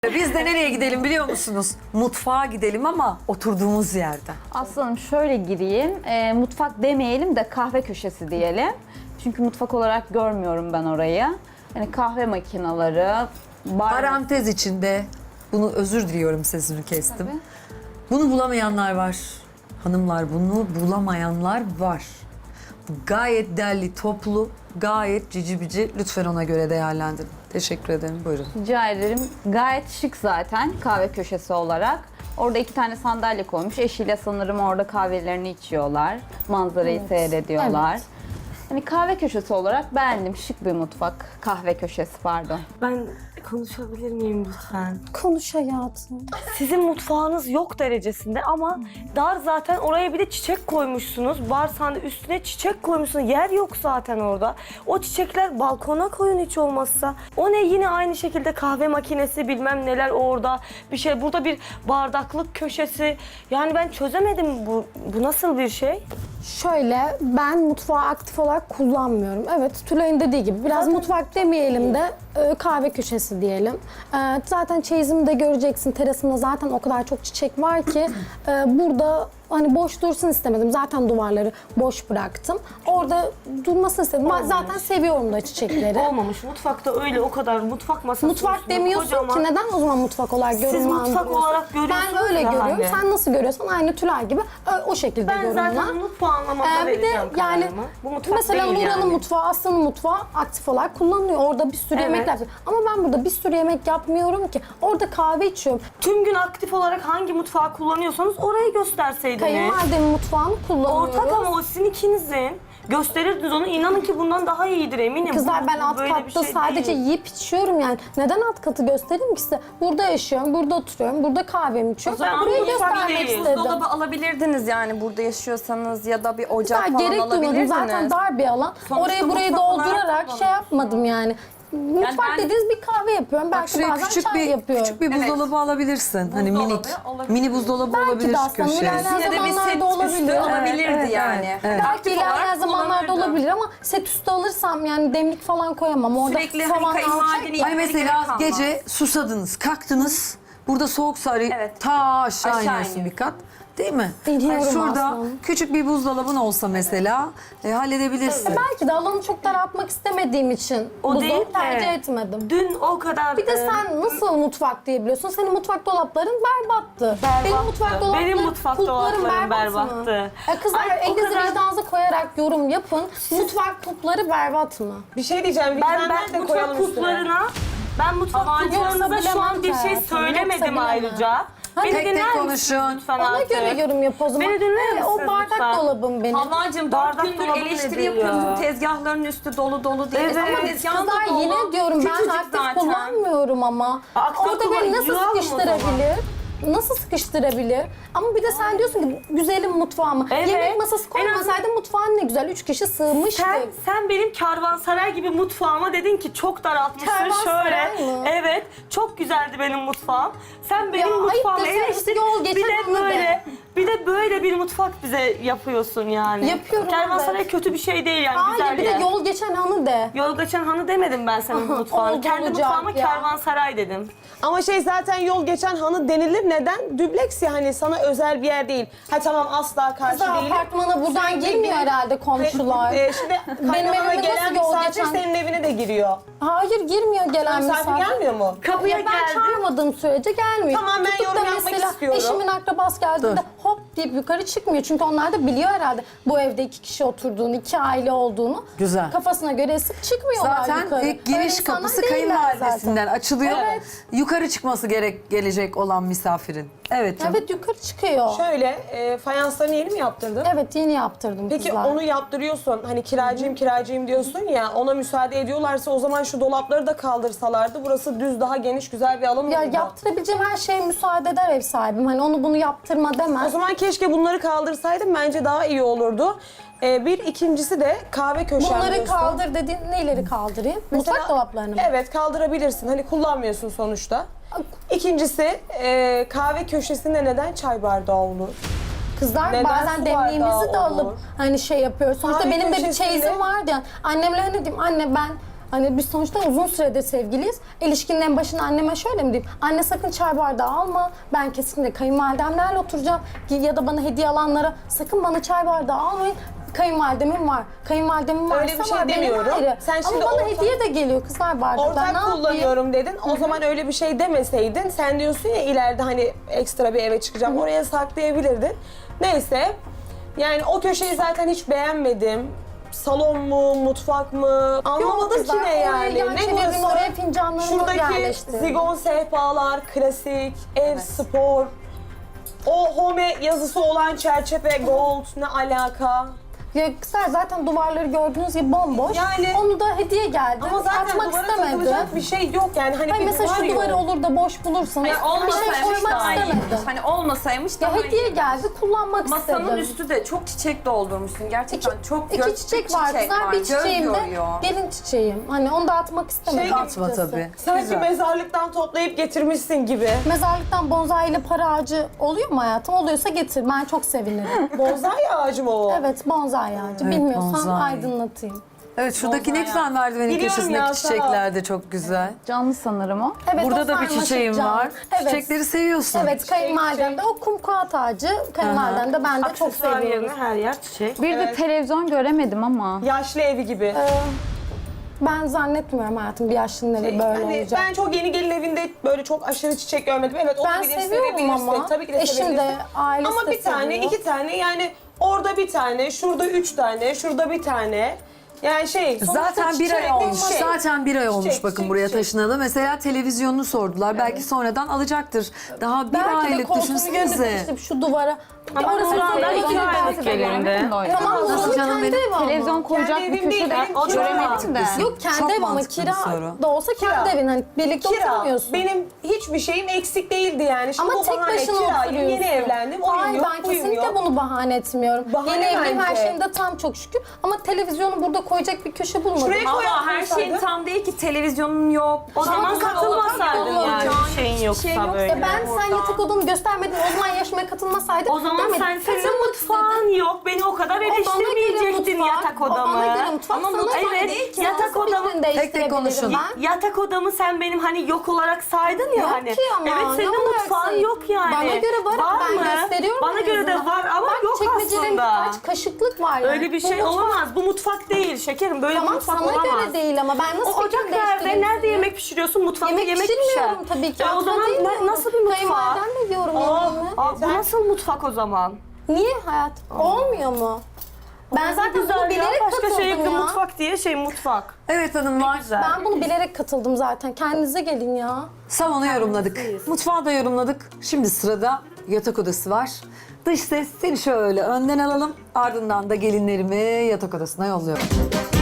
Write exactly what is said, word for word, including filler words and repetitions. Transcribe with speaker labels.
Speaker 1: Biz de nereye gidelim biliyor musunuz? Mutfağa gidelim ama oturduğumuz yerden.
Speaker 2: Aslanım şöyle gireyim. E, mutfak demeyelim de kahve köşesi diyelim. Çünkü mutfak olarak görmüyorum ben orayı. Yani kahve makineleri, bar...
Speaker 1: Parantez içinde bunu özür diliyorum sesini kestim.
Speaker 2: Tabii.
Speaker 1: Bunu bulamayanlar var. Hanımlar bunu bulamayanlar var. Gayet derli toplu, gayet cici bici. Lütfen ona göre değerlendirin. Teşekkür ederim. Buyurun.
Speaker 2: Rica ederim. Gayet şık zaten kahve köşesi olarak. Orada iki tane sandalye koymuş. Eşiyle sanırım orada kahvelerini içiyorlar. Manzarayı
Speaker 3: Evet.
Speaker 2: seyrediyorlar.
Speaker 3: Evet.
Speaker 2: Hani kahve köşesi olarak beğendim. Şık bir mutfak. Kahve köşesi pardon.
Speaker 4: Ben konuşabilir miyim lütfen?
Speaker 3: Konuş hayatım.
Speaker 4: Sizin mutfağınız yok derecesinde ama dar zaten, oraya bir de çiçek koymuşsunuz. Barsanda üstüne çiçek koymuşsunuz. Yer yok zaten orada. O çiçekler balkona koyun hiç olmazsa. O ne, yine aynı şekilde kahve makinesi bilmem neler orada. Bir şey, burada bir bardaklık köşesi. Yani ben çözemedim, bu, bu nasıl bir şey?
Speaker 3: Şöyle, ben mutfağı aktif olarak kullanmıyorum. Evet, Tülay'ın dediği gibi biraz mutfak demeyelim de e, kahve köşesi diyelim. E, zaten çeyizimi de göreceksin. Terasımda zaten o kadar çok çiçek var ki e, burada hani boş dursun istemedim. Zaten duvarları boş bıraktım. Orada durmasını istedim. Ben zaten seviyorum da çiçekleri.
Speaker 4: Olmamış. Mutfakta öyle o kadar mutfak masası.
Speaker 3: Mutfak
Speaker 4: üstünde
Speaker 3: demiyorsun
Speaker 4: kocaman-
Speaker 3: ki, neden o zaman mutfak olarak
Speaker 4: Siz
Speaker 3: yorumlandırıyorsun?
Speaker 4: mutfak olarak görüyorsunuz
Speaker 3: Ben öyle
Speaker 4: ya
Speaker 3: görüyorum.
Speaker 4: hani.
Speaker 3: Sen nasıl görüyorsan aynı Tülay gibi ö- o şekilde
Speaker 4: Ben
Speaker 3: yorumla.
Speaker 4: zaten mutfağı anlamada
Speaker 3: Ee, bir de
Speaker 4: vereceğim
Speaker 3: yani
Speaker 4: kararımı. Bu mutfak
Speaker 3: mesela
Speaker 4: değil
Speaker 3: Nurhan'ın
Speaker 4: yani.
Speaker 3: mutfağı, Aslı'nın mutfağı aktif olarak kullanılıyor. Orada bir sürü
Speaker 4: Evet.
Speaker 3: yemekler yapıyor. Ama ben burada bir sürü yemek yapmıyorum ki. Orada kahve içiyorum.
Speaker 4: Tüm gün aktif olarak hangi mutfağı kullanıyorsanız orayı gösterseydiniz.
Speaker 3: Kayınvalidemin mutfağını kullanıyoruz.
Speaker 4: Ortak ama o sizin ikinizin. Gösterirdiniz onu. İnanın ki bundan daha iyidir eminim.
Speaker 3: Kızlar,
Speaker 4: Bu-
Speaker 3: ben
Speaker 4: bu
Speaker 3: alt
Speaker 4: böyle bir
Speaker 3: katta
Speaker 4: şey
Speaker 3: sadece
Speaker 4: değil.
Speaker 3: yiyip içiyorum yani. Neden alt katı göstereyim ki size? Burada yaşıyorum, burada oturuyorum, burada kahvemi içiyorum.
Speaker 4: O zaman
Speaker 3: Burayı
Speaker 4: mutfak
Speaker 3: göstermek
Speaker 4: değil.
Speaker 3: istedim.
Speaker 5: Dolabı alabilirdiniz yani burada yaşıyorsanız ya da bir ocak
Speaker 3: Daha
Speaker 5: falan
Speaker 3: gerek duymadım.
Speaker 5: alabilirdiniz.
Speaker 3: Zaten dar bir alan.
Speaker 5: Sonuçta
Speaker 3: Orayı burayı
Speaker 5: mutfak olarak
Speaker 3: doldurarak şey yapmadım yani. Mutfak
Speaker 5: ben-
Speaker 3: dediğiniz bir kahve yapıyorum.
Speaker 1: Bak
Speaker 3: Belki
Speaker 1: şuraya
Speaker 3: bazen
Speaker 1: küçük
Speaker 3: çay
Speaker 1: bir
Speaker 3: yapıyorum.
Speaker 1: küçük bir buzdolabı alabilirsin. Hani
Speaker 5: Buzdolabı
Speaker 1: minik.
Speaker 5: olabilir.
Speaker 1: Mini buzdolabı
Speaker 3: Belki
Speaker 1: olabilir
Speaker 3: de
Speaker 1: şu
Speaker 3: aslında
Speaker 1: köşeye.
Speaker 3: ilerleyen
Speaker 5: Yine de bir
Speaker 3: zamanlarda
Speaker 5: set
Speaker 3: olabilir.
Speaker 5: üstü
Speaker 3: Evet,
Speaker 5: olabilirdi
Speaker 3: evet,
Speaker 5: yani.
Speaker 1: evet.
Speaker 3: Belki
Speaker 5: Aktif
Speaker 3: ilerleyen
Speaker 5: olarak
Speaker 3: zamanlarda
Speaker 5: kullanırdı.
Speaker 3: olabilir ama set üstü alırsam yani demlik falan koyamam. Orada
Speaker 5: Sürekli hani
Speaker 3: tavan
Speaker 5: kayınvalideni
Speaker 3: alacak.
Speaker 1: Hani
Speaker 5: gerek
Speaker 1: mesela
Speaker 5: kalmaz.
Speaker 1: gece susadınız, kalktınız. Burada soğuk sarı
Speaker 5: Evet.
Speaker 1: ta aşağı,
Speaker 5: Aşağı
Speaker 1: iniyorsun
Speaker 5: iniyor.
Speaker 1: bir kat. Değil mi?
Speaker 3: İniyorum
Speaker 1: Hani şurada
Speaker 3: aslında.
Speaker 1: küçük bir buzdolabın olsa mesela e, halledebilirsin.
Speaker 3: Belki de alanı çok daraltmak istemediğim için
Speaker 4: O
Speaker 3: buzdolabı
Speaker 4: değil de.
Speaker 3: tercih etmedim.
Speaker 4: Dün o kadar...
Speaker 3: Bir de
Speaker 4: e,
Speaker 3: sen nasıl mutfak diyebiliyorsun? Senin mutfak dolapların berbattı.
Speaker 4: Berbattı.
Speaker 3: Benim mutfak dolaplarım,
Speaker 4: Benim mutfak
Speaker 3: kulplarım
Speaker 4: dolaplarım
Speaker 3: berbat mı?
Speaker 4: berbattı.
Speaker 3: E kızlar,
Speaker 4: Ay, o
Speaker 3: elinizi
Speaker 4: kadar-
Speaker 3: vicdanınıza koyarak yorum yapın. Mutfak kulpları berbat mı?
Speaker 6: Bir şey diyeceğim. Bir
Speaker 4: Ben,
Speaker 6: tane
Speaker 4: ben
Speaker 6: de
Speaker 4: mutfak
Speaker 6: koyalım üstüne.
Speaker 4: kulplarına... Ben mutfak
Speaker 5: Aman,
Speaker 4: kulplarınıza
Speaker 3: yoksa
Speaker 4: şu an bir
Speaker 3: bilemem
Speaker 4: şey
Speaker 3: hayatım,
Speaker 4: söylemedim
Speaker 3: yoksa bilemem.
Speaker 4: ayrıca. Beni
Speaker 1: Tek tek
Speaker 4: dinler
Speaker 1: konuşun.
Speaker 4: misiniz lütfen
Speaker 3: Ona
Speaker 4: artık?
Speaker 3: göre yorum yap o zaman.
Speaker 4: Beni dinler
Speaker 3: Evet, o
Speaker 4: misiniz
Speaker 3: bardak
Speaker 4: lütfen?
Speaker 3: dolabım benim.
Speaker 5: Havvacığım dört
Speaker 4: Bardak
Speaker 5: gündür
Speaker 4: dolabı
Speaker 5: eleştiri
Speaker 4: nedir
Speaker 5: yapıyorsun.
Speaker 4: ya?
Speaker 5: Tezgahların üstü dolu dolu değil.
Speaker 4: Evet.
Speaker 5: Ama
Speaker 4: Ama
Speaker 5: tezgahın da
Speaker 3: Kızlar
Speaker 5: dolu.
Speaker 3: yine diyorum ben
Speaker 5: Küçücük
Speaker 3: aktif
Speaker 5: zaten.
Speaker 3: kullanmıyorum ama.
Speaker 4: Aktif
Speaker 3: Orada beni
Speaker 4: kullan-
Speaker 3: nasıl
Speaker 4: yığalım o
Speaker 3: sıkıştırabilir? Nasıl sıkıştırabilir? Ama bir de sen diyorsun ki güzelim mutfağımı.
Speaker 4: Evet.
Speaker 3: Yemek masası koymasaydın mutfağın ne güzel. Üç kişi sığmıştık.
Speaker 4: Sen, sen benim kervansaray gibi mutfağıma dedin ki çok daraltmışsın
Speaker 3: Kervansaray
Speaker 4: şöyle.
Speaker 3: mı?
Speaker 4: Evet, çok güzeldi benim mutfağım. Sen benim
Speaker 3: Ya, ayıp
Speaker 4: mutfağımı
Speaker 3: desene,
Speaker 4: eleştir.
Speaker 3: yol
Speaker 4: Bir
Speaker 3: geçen
Speaker 4: de
Speaker 3: anı de.
Speaker 4: böyle, bir de böyle bir mutfak bize yapıyorsun yani.
Speaker 3: Yapıyorum,
Speaker 4: Kervansaray
Speaker 3: evet.
Speaker 4: kötü bir şey değil yani,
Speaker 3: Hayır
Speaker 4: güzel
Speaker 3: bir de
Speaker 4: yer.
Speaker 3: yol geçen anı de.
Speaker 4: Yol geçen hanı demedim ben senin mutfağına.
Speaker 3: Oldu,
Speaker 4: Kendi
Speaker 3: olacak
Speaker 4: mutfağıma
Speaker 3: ya.
Speaker 4: kervansaray dedim.
Speaker 6: Ama şey zaten yol geçen hanı denilir. Neden? Dübleks ya, hani sana özel bir yer değil. Ha tamam, asla karşı
Speaker 3: Kızlar
Speaker 6: değilim.
Speaker 3: apartmana buradan
Speaker 6: Sürekli
Speaker 3: girmiyor
Speaker 6: bir-
Speaker 3: herhalde komşular.
Speaker 6: Ee, şimdi kaynanana
Speaker 3: evime
Speaker 6: gelen
Speaker 3: nasıl yol
Speaker 6: misafir
Speaker 3: geçen-
Speaker 6: senin evine de giriyor.
Speaker 3: Hayır girmiyor gelen
Speaker 6: Misafir
Speaker 3: misafir.
Speaker 6: gelmiyor mu?
Speaker 4: Kapıya
Speaker 3: Ya ben
Speaker 4: geldi.
Speaker 3: çağırmadığım sürece gelmiyor.
Speaker 6: Tamam, ben
Speaker 3: Tutup da
Speaker 6: yorum yapmak
Speaker 3: mesela
Speaker 6: istiyorum.
Speaker 3: eşimin akrabası geldiğinde
Speaker 1: Dur.
Speaker 3: hop deyip yukarı çıkmıyor. Çünkü onlar da biliyor herhalde bu evde iki kişi oturduğunu, iki aile olduğunu.
Speaker 1: Güzel.
Speaker 3: Kafasına göre esip çıkmıyorlar
Speaker 1: Zaten
Speaker 3: yukarı.
Speaker 1: ilk giriş
Speaker 3: Öyle insanlar
Speaker 1: kapısı
Speaker 3: değiller
Speaker 1: kayınvalidesinden
Speaker 3: zaten.
Speaker 1: açılıyor.
Speaker 3: Evet.
Speaker 1: Yukarı çıkması gerek gelecek olan misafirin. Evet canım.
Speaker 3: Evet yukarı çıkıyor.
Speaker 6: Şöyle, e, fayanslarını yeni mi yaptırdın?
Speaker 3: Evet yeni yaptırdım
Speaker 6: Peki
Speaker 3: kızlar.
Speaker 6: onu yaptırıyorsun, hani kiracıyım kiracıyım diyorsun ya, ona müsaade ediyorlarsa o zaman şu dolapları da kaldırsalardı, burası düz, daha geniş, güzel bir alan olurdu.
Speaker 3: Ya yaptırabileceğim her şeye müsaade eder ev sahibim. Hani onu bunu yaptırma
Speaker 6: O
Speaker 3: demez.
Speaker 6: zaman keşke bunları kaldırsaydım, bence daha iyi olurdu. Ee, bir ikincisi de kahve köşem
Speaker 3: Bunları
Speaker 6: diyorsun.
Speaker 3: kaldır dediğin neyleri kaldırayım?
Speaker 6: Mesela-
Speaker 3: Mutfak dolaplarını mı?
Speaker 6: Evet, kaldırabilirsin. Hani kullanmıyorsun sonuçta. İkincisi, e, kahve köşesinde neden çay bardağı olur?
Speaker 3: Kızlar
Speaker 6: Neden
Speaker 3: bazen
Speaker 6: su
Speaker 3: demliğimizi
Speaker 6: bardağı
Speaker 3: de
Speaker 6: olur?
Speaker 3: alıp hani şey yapıyoruz. Sonuçta
Speaker 6: Kahve
Speaker 3: benim de bir
Speaker 6: köşesinde-
Speaker 3: çeyizim vardı yani. Annemle hani diyeyim anne ben Hani biz sonuçta uzun süredir sevgiliyiz. İlişkinin en başında anneme şöyle mi diyeyim? Anne sakın çay bardağı alma. Ben kesinlikle kayınvalidemlerle oturacağım. Ya da bana hediye alanlara sakın bana çay bardağı almayın. Kayınvalidemin var. Kayınvalidemin varsa
Speaker 6: Öyle bir şey
Speaker 3: var. Benim
Speaker 6: demiyorum.
Speaker 3: ayrı.
Speaker 6: Sen şimdi
Speaker 3: Ama bana
Speaker 6: ortak-
Speaker 3: hediye de geliyor kızlar bardağı. Ben ne
Speaker 6: Ortak
Speaker 3: yapayım?
Speaker 6: kullanıyorum dedin. O zaman öyle bir şey demeseydin. Sen diyorsun ya ileride hani ekstra bir eve çıkacağım. Oraya saklayabilirdin. Neyse. Yani o köşeyi zaten hiç beğenmedim. Salon mu, mutfak mı? Anlamadım ki
Speaker 3: kızlar,
Speaker 6: ne
Speaker 3: oraya
Speaker 6: yani.
Speaker 3: yan
Speaker 6: Ne
Speaker 3: çevirdim,
Speaker 6: burası?
Speaker 3: oraya fincanlarımı
Speaker 6: Şuradaki
Speaker 3: yerleştirdim.
Speaker 6: zigon sehpalar, klasik, ev spor. O home yazısı olan çerçeve gold ne alaka?
Speaker 3: Ya kızlar zaten duvarları gördüğünüz gibi bomboş.
Speaker 6: Yani-
Speaker 3: Onu da hediye geldi.
Speaker 6: Ama zaten
Speaker 3: Atmak
Speaker 6: duvara
Speaker 3: istemedim.
Speaker 6: takılacak bir şey yok yani. Hani
Speaker 3: Hayır
Speaker 6: bir
Speaker 3: mesela
Speaker 6: duvar
Speaker 3: şu
Speaker 6: yok.
Speaker 3: duvarı olur da boş bulursanız
Speaker 5: Hayır,
Speaker 3: bir şey
Speaker 5: olmasaymış
Speaker 3: koymak
Speaker 5: daha iyiymiş.
Speaker 3: istemedim.
Speaker 5: Hani olmasaymış daha
Speaker 3: Ya hediye
Speaker 5: iyiymiş.
Speaker 3: geldi kullanmak
Speaker 5: Masanın
Speaker 3: istedim.
Speaker 5: üstü de çok çiçek doldurmuşsun. Gerçekten
Speaker 3: İki,
Speaker 5: çok
Speaker 3: iki
Speaker 5: gö-
Speaker 3: çiçek var kızlar. Bir
Speaker 5: Göz
Speaker 3: çiçeğim de
Speaker 5: yoruyor.
Speaker 3: gelin çiçeğim. Hani onu da atmak istemedim.
Speaker 6: Şey gibi-
Speaker 1: Atma
Speaker 3: açıkçası.
Speaker 1: tabii.
Speaker 6: Sanki
Speaker 1: Güzel.
Speaker 6: mezarlıktan toplayıp getirmişsin gibi.
Speaker 3: Mezarlıktan bonsai ile para ağacı oluyor mu hayatım? Oluyorsa getir. Ben çok sevinirim.
Speaker 6: Bonsai ağacı mı o?
Speaker 3: Evet bonsai ağacı.
Speaker 1: Evet,
Speaker 3: Bilmiyorsan
Speaker 1: bonsai.
Speaker 3: aydınlatayım.
Speaker 1: Evet şuradaki ne güzel merdivenin
Speaker 6: Biliyorum
Speaker 1: köşesindeki
Speaker 6: ya, sağ ol.
Speaker 1: çiçekler de çok güzel.
Speaker 2: Canlı sanırım o.
Speaker 3: Evet,
Speaker 1: Burada
Speaker 3: o
Speaker 1: da bir
Speaker 3: sarmaşık
Speaker 1: çiçeğim
Speaker 3: cam.
Speaker 1: var.
Speaker 3: Evet.
Speaker 1: Çiçekleri seviyorsun.
Speaker 3: Evet kayınvalidem de o kumkuat ağacı. Kayınvalidem de ben de çok
Speaker 4: Aksesuar
Speaker 3: seviyorum.
Speaker 4: yerine her yer çiçek.
Speaker 2: Bir de televizyon göremedim ama.
Speaker 6: Yaşlı evi gibi.
Speaker 3: Ee, Ben zannetmiyorum hayatım bir yaşlının evi böyle
Speaker 6: Yani
Speaker 3: olacak.
Speaker 6: ben çok yeni gelin evinde böyle çok aşırı çiçek görmedim. Evet
Speaker 3: Ben
Speaker 6: olabilir,
Speaker 3: seviyorum
Speaker 6: sevebilirsin.
Speaker 3: ama.
Speaker 6: Tabii ki de
Speaker 3: Eşim de,
Speaker 6: sevebilirsin.
Speaker 3: ailesi
Speaker 6: Ama
Speaker 3: de
Speaker 6: bir tane,
Speaker 3: seviyor.
Speaker 6: iki tane yani orada bir tane, şurada üç tane, şurada bir tane. Yani şey sonuçta
Speaker 1: Zaten bir ay
Speaker 6: çiçek,
Speaker 1: olmuş.
Speaker 6: çiçek.
Speaker 1: Zaten bir ay olmuş
Speaker 6: Çiçek,
Speaker 1: bakın
Speaker 6: çiçek,
Speaker 1: buraya
Speaker 6: çiçek.
Speaker 1: taşınalı. Mesela televizyonunu sordular. Belki sonradan alacaktır. Daha bir
Speaker 3: Belki de
Speaker 1: aylık
Speaker 3: koltuğunu
Speaker 1: düşünsenize.
Speaker 3: gönderip şu duvara.
Speaker 4: Ama
Speaker 3: Orası
Speaker 4: Nurhan'da
Speaker 3: zaten
Speaker 4: iki
Speaker 3: güzel.
Speaker 4: aylık gelindi.
Speaker 3: Tamam
Speaker 1: Nasıl
Speaker 3: Nurhan'ın
Speaker 1: canım
Speaker 3: kendi
Speaker 1: benim?
Speaker 3: evi ama.
Speaker 2: Televizyon koyacak
Speaker 6: Kendi
Speaker 2: bir
Speaker 6: evim değil,
Speaker 2: köşede
Speaker 6: ben o
Speaker 2: göremedim de.
Speaker 3: Yok kendi
Speaker 1: Çok
Speaker 3: ev ama
Speaker 1: mantıklı bir
Speaker 3: kira
Speaker 1: soru.
Speaker 3: da olsa kendi
Speaker 6: Kira.
Speaker 3: evin. Hani birlikte
Speaker 6: Kira.
Speaker 3: oturmuyorsun.
Speaker 6: Benim hiçbir şeyim eksik değildi yani. Şimdi
Speaker 3: Ama
Speaker 6: bu
Speaker 3: tek
Speaker 6: bahane
Speaker 3: başına
Speaker 6: kirayım,
Speaker 3: oturuyorsun.
Speaker 6: yeni evlendim, oyun
Speaker 3: Hayır
Speaker 6: yok,
Speaker 3: ben
Speaker 6: buyum
Speaker 3: kesinlikle
Speaker 6: yok.
Speaker 3: bunu bahane etmiyorum.
Speaker 6: Bahane
Speaker 3: Yeni evliyim her
Speaker 6: bence.
Speaker 3: şeyimde tam çok şükür. Ama televizyonu burada koyacak bir köşe bulmadım.
Speaker 6: Şuraya koy.
Speaker 5: Ama her şeyin tam değil ki, televizyonun yok.
Speaker 4: O zaman
Speaker 5: Salonun
Speaker 4: katılmasaydın
Speaker 5: yok,
Speaker 4: yani
Speaker 5: hiçbir
Speaker 4: şeyin yoksa
Speaker 5: şey yok.
Speaker 4: böyle.
Speaker 3: Ya ben sen yatak odanı göstermedin o zaman yarışmaya katılmasaydım.
Speaker 4: O zaman
Speaker 3: demedim.
Speaker 4: sen senin
Speaker 3: Katılmak
Speaker 4: mutfağın yok. Beni o kadar
Speaker 3: O bana göre
Speaker 4: eleştirmeyecektin
Speaker 3: mutfak,
Speaker 4: yatak
Speaker 3: o
Speaker 4: odamı.
Speaker 3: bana göre mutfak,
Speaker 4: Ama
Speaker 3: sana
Speaker 4: mut-
Speaker 3: göre
Speaker 4: evet,
Speaker 3: değil ki.
Speaker 4: yatak
Speaker 3: Nasıl
Speaker 4: odamı
Speaker 3: fikrini
Speaker 1: tek
Speaker 3: değiştirebilirim
Speaker 1: konuşun.
Speaker 3: ben?
Speaker 4: yatak odamı sen benim hani yok olarak saydın ya
Speaker 3: Yok
Speaker 4: hani.
Speaker 3: ki ama,
Speaker 4: Evet
Speaker 3: ne
Speaker 4: senin
Speaker 3: olarak
Speaker 4: mutfağın
Speaker 3: sayayım?
Speaker 4: yok yani.
Speaker 3: Bana göre var, ben
Speaker 4: mı?
Speaker 3: gösteriyorum
Speaker 4: Bana
Speaker 3: en
Speaker 4: göre de
Speaker 3: azından.
Speaker 4: var ama
Speaker 3: Bak,
Speaker 4: yok
Speaker 3: çekmecelerin
Speaker 4: aslında.
Speaker 3: birkaç kaşıklık var yani.
Speaker 4: Öyle bir
Speaker 3: Bu
Speaker 4: şey
Speaker 3: mutfak-
Speaker 4: olamaz. Bu mutfak değil şekerim. Böyle bir
Speaker 3: Tamam
Speaker 4: mutfak
Speaker 3: sana
Speaker 4: olamaz.
Speaker 3: göre değil ama ben nasıl
Speaker 4: O ocak
Speaker 3: fikrini
Speaker 4: nerede?
Speaker 3: değiştireyim
Speaker 4: Nerede
Speaker 3: seni?
Speaker 4: yemek pişiriyorsun? Mutfakta
Speaker 3: Yemek,
Speaker 4: yemek,
Speaker 3: pişirmiyorum
Speaker 4: pişer.
Speaker 3: tabii ki.
Speaker 4: E o
Speaker 3: Aslında
Speaker 4: zaman
Speaker 3: değil
Speaker 4: ne-
Speaker 3: mi?
Speaker 4: nasıl bir mutfak?
Speaker 3: Kayınvalidemle yiyorum
Speaker 4: Aa,
Speaker 3: yemeğimi.
Speaker 4: aa, bu nasıl mutfak o zaman?
Speaker 3: Niye hayat? Olmuyor mu? Ben zaten bunu
Speaker 4: Güzel ya.
Speaker 3: bilerek
Speaker 4: Başka
Speaker 3: katıldım
Speaker 4: şey yok.
Speaker 3: ya.
Speaker 4: Mutfak diye şey mutfak.
Speaker 1: Evet hanımlar.
Speaker 4: Güzel.
Speaker 3: Ben bunu bilerek katıldım zaten. Kendinize gelin ya.
Speaker 1: Salonu yorumladık. Mutfağı da yorumladık. Şimdi sırada yatak odası var. Dış ses seni şöyle önden alalım. Ardından da gelinlerimi yatak odasına yolluyorum.